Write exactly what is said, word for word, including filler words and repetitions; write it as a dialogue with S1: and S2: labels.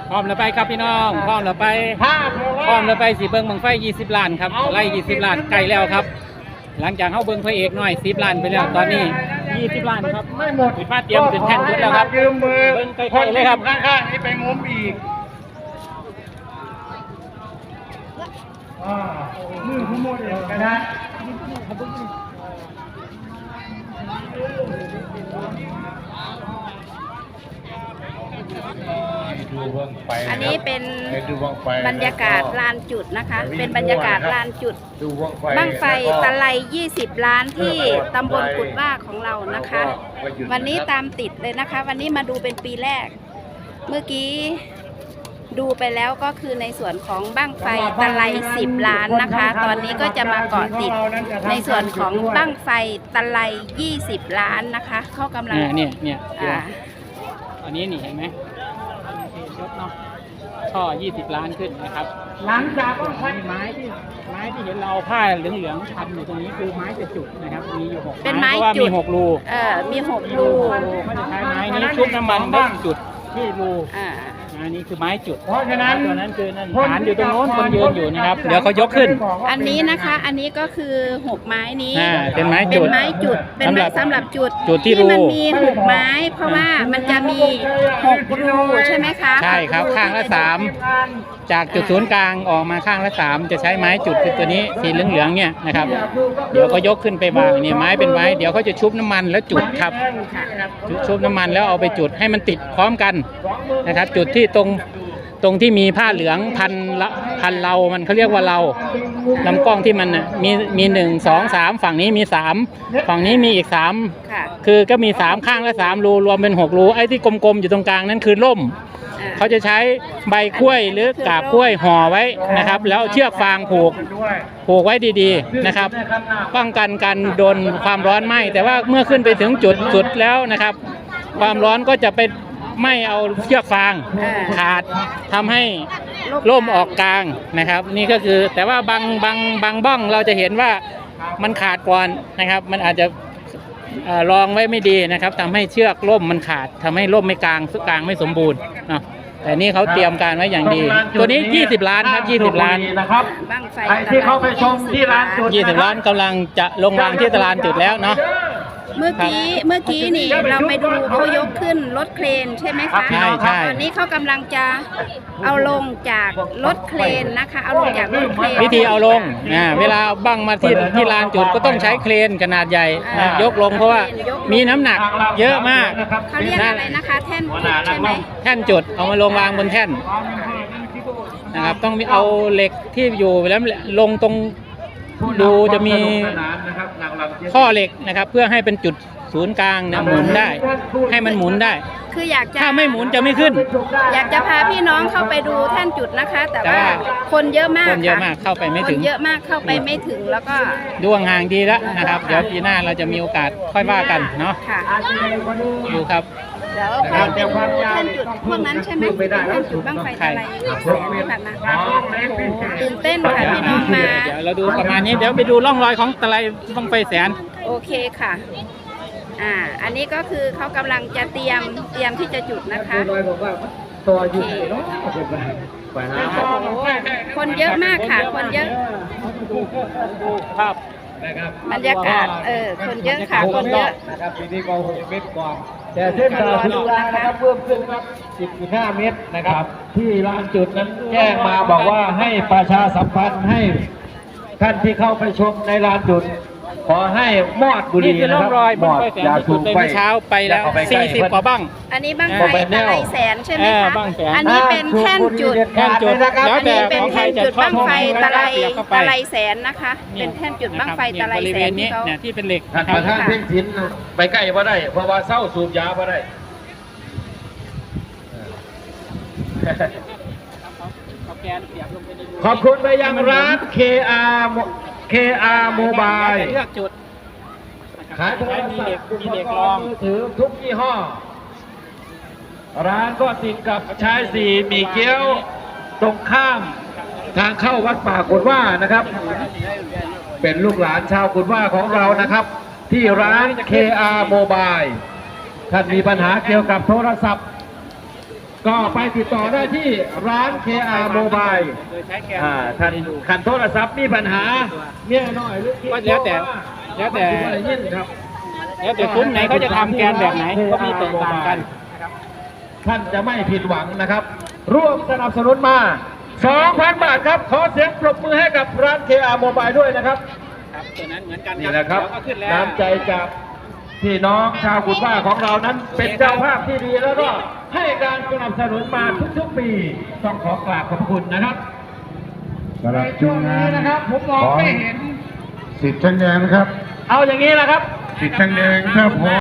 S1: พร้อมแล้วไปครับพี่น้องพร้อมแล้วไปพร้อมแล้วไปสีเบิ้งบังไฟยี่สิบล้านครับไล่ยี่สิบล้านไกลแล้วครับหลังจากเข้าเบิ้งพระเอกหน่อยสิบล้านไปแล้วตอนนี้ยี่สิบล้านครับไม่หมดปิดฟ้าเตรียมเป็นแท่นยุดแล้วครับยืมมือเบิ้งไกลๆเลยครับข้างๆนี่ไปงมอีกมือผู้โมเดลก็ได้
S2: อันนี้เป็นบรรยากาศลานจุดนะคะเป็นบรรยากาศลานจุดบั้งไฟตะไลยี่สิบล้านที่ตำบลกุดว่าของเรานะคะวันนี้ตามติดเลยนะคะวันนี้มาดูเป็นปีแรกเมื่อกี้ดูไปแล้วก็คือในส่วนของบั้งไฟตะไลสิบล้านนะคะตอนนี้ก็จะมาเกาะติดในส่วนของบั้งไฟตะไลยี่สิบล้านนะคะเขากำลัง
S1: เนี่ยเนี่ยอันนี้นี่เห็นไหมยกเนาะช่อยี่สิบล้านขึ้นนะครับหลังจากไม้ไม้ที่ไม้ที่เห็นเราผ้าเหลืองๆพันอยู่ตรงนี้คือไม้จะจุดนะครับมีอยู่หก
S2: เป็นไม้
S1: จุดมีหกรู
S2: เออมีหกรู
S1: เขาจะใช้ไม้นี้ชุบน้ำมันได้จุดที่รูอ่าอันนี้คือไม้จุดเพราะฉะนั้นตัวนั้นคือนั่นฐานอยู่ตรงโน้นคนยืนอยู่นะครับเดี๋ยวเขายกขึ้น
S2: อันนี้นะคะอันนี้ก็คือหกไม้นี้
S1: เป็นไม้จุด
S2: เป็นไม้จุดเป็นไม้สำหรับจุด
S1: จุดที่รู
S2: มันมีหกไม้เพราะว่ามันจะมีหกรูใช่ไหมคะ
S1: ใช่ครับข้างละสามจากจุดศูนย์กลางออกมาข้างละสามจะใช้ไม้จุดคือตัวนี้สีเหลืองๆเนี่ยนะครับเดี๋ยวก็ยกขึ้นไปวางเนี่ยไม้เป็นไม้เดี๋ยวเขาจะชุบน้ำมันแล้วจุดครับชุบน้ำมันแล้วเอาไปจุดให้มันติดพร้อมกันนะครับจุดที่ตรงตรงที่มีผ้าเหลืองพันละพันเรามันเขาเรียกว่าเราลำกล้องที่มันน่ะมีมีหนึ่งสองสามฝั่งนี้มีสามฝั่งนี้มีอีกสามคือก็มีสามข้างละสามรูรวมเป็นหกรูไอ้ที่กลมๆอยู่ตรงกลางนั่นคือร่มเขาจะใช้ใบกล้วยหรือกาบกล้วยห่อไว้นะครับแล้วเชือกฟางผูกผูกไว้ดีๆนะครับป้องกันการโดนความร้อนไหม้แต่ว่าเมื่อขึ้นไปถึงจุดสุดแล้วนะครับความร้อนก็จะไปไม่เอาเชือกฟางขาดทำให้ร่มออกกลางนะครับนี่ก็คือแต่ว่าบางบางบางบ้องเราจะเห็นว่ามันขาดก่อนนะครับมันอาจจะรองไว้ไม่ดีนะครับทำให้เชือกร่มมันขาดทำให้ร่มไม่กลางกลางไม่สมบูรณ์เนาะแต่นี่เขาเตรียมการไว้อย่างดีตัวนี้ยี่สิบล้านครับยี่สิบล้าน
S3: นะครับใครที่เขาไปชมที่ร้านจุด
S1: ยี่สิบล้านกำลังจะลงวางที่ตลาดจุดแล้วเนาะ
S2: เมื่อกี้เมื่อกี้นี่เราไปดูเขายกขึ้นรถเครนใช่ไหมคะ
S1: ใช่ใช่
S2: ตอนนี้เขากำลังจะเอาลงจากรถเครนนะคะเอาลงจากรถเครน
S1: วิธีเอาลงนะเวลาบั้งมาที่ที่ลานจุดก็ต้องใช้เครนขนาดใหญ่ยกลงเพราะว่ามีน้ำหนักเยอะมาก
S2: เขาเรียกอะไรนะคะแท่นจุดใช่ไหม
S1: แท่นจุดเอามาลงวางบนแท่นนะครับต้องเอาเหล็กที่อยู่แล้วลงตรงดูจะมีข้อเหล็กนะครับเพื่อให้เป็นจุดศูนย์กลางนะหมุนได้ให้มันหมุนได้
S2: คืออยากจะ
S1: ถ้าไม่หมุนจะไม่ขึ้น
S2: อยากจะพาพี่น้องเข้าไปดูแท่นจุดนะคะแต่ว่าคนเยอะมาก
S1: คนเยอะมากเข้าไปไม่ถึง
S2: เยอะมากเข้าไปไม่ถึงแล้วก็
S1: ดูห่างดีแล้วนะครับเดี๋ยวปีหน้าเราจะมีโอกาสค่อยว่ากันเนาะดูครับ
S2: เดี๋ยวไปดูแท่นจุดพวกนั้นใช่ไหมแท่นจุดบั้งไฟอะไรแสนที่ผ่านมาตื่นเต้นค่ะพี่น้องมา
S1: เดี๋ยวเราดูประมาณนี้เดี๋ยวไปดูร่องรอยของตะไลบั้งไฟแสน
S2: โอเคค่ะอ่าอันนี้ก็คือเขากำลังจะเตรียมเตรียมที่จะจุดนะคะโอเคคนเยอะมากค่ะคนเยอะ
S1: ภาพ
S2: บรรยากาศเออคนเยอะค่ะคนเยอะ
S3: นะครับปีนี้ก็หกเมตรกว่าแต่เส้นทางที่ร้านนะครับเพิ่มขึ้นครับสิบจุดห้าเมตรนะครับที่ลานจุดนั้นแจ้งมาบอกว่าให้ประชาสัมพันธ์ให้ท่านที่เข้าไปชมในลานจุดขอให้มอดบุหรี่นะครับมอดยาสูบไป
S1: เช้าไปแล้วสี่สิบกว่าบ้าง
S2: อันนี้บ้างไฟตะไลแสนใช่ไหมคะอันนี้เป็นแท่นจุด
S1: แท่นจุด
S2: อันนี้เป็นแท่นจุดบ้างไฟตะไลตะไลแสนนะคะเป็นแท่นจุดบ้างไฟตะไลแสน
S1: ที่เขาที่เป็นเหล็ก
S3: ท่านประธานเพ่งศิลป์ไปใกล้ว่าได้เพราะว่าเศร้าสูบยาว่าได้ขอบคุณไปยังร้าน เค อาร์ เค อาร์ Mobile
S1: เลือกจุด
S3: ขายโทรศัพท์มือถือทุกยี่ห้อร้านก็ติดกับชายสี่มีเกี๊ยวตรงข้ามทางเข้าวัดป่ากุดว่านะครับเป็นลูกหลานชาวกุดว่าของเรานะครับที่ร้าน เค อาร์ Mobile ท่านมีปัญหาเกี่ยวกับโทรศัพท์ก็ไปติดต่อได้ที่ร้าน เค อาร์ Mobile
S1: โดยใช้แกน
S3: อ่าท่านขันโทรศัพท์มีปัญหาเมียน้อยหรือ
S1: ก็แล้วแต่แล้วแต่
S3: อะไรยิ่งครับ
S1: แล้วแต่ซุ้มไหนเขาจะทำแกนแบบไหนก็มีแตกต่างกัน
S3: ท่านจะไม่ผิดหวังนะครับ ร่วมสนับสนุนมา สองพัน บาทครับ ขอเสียงปรบมือให้กับร้าน เค อาร์ Mobile ด้วยนะครับ
S1: ครับตัวนั้นเหมือนกัน
S3: นี่แหละครับ
S1: เดี๋ยวก็ขึ้นแล้ว
S3: น้ำใจจากพี่น้องชาวกุฎว่าของเรานั้นเป็นเจ้าภาพที่ดีแล้วก็ให้การสนับสนุนมาทุกๆปีต้องขอกราบขอบคุณนะครับ
S4: สำหรับ
S3: ใน
S4: ช่
S3: ช่
S4: ว
S3: ว
S4: ง
S3: ง
S4: งา
S3: นี้
S4: น
S3: นะครับผมมองไม่เห็น
S4: สิทธิ์ช่างแดงนะครับ
S3: เอาอย่างนี้นะครับ
S4: สิทธิ์ช่างแดงถ้าพร้อม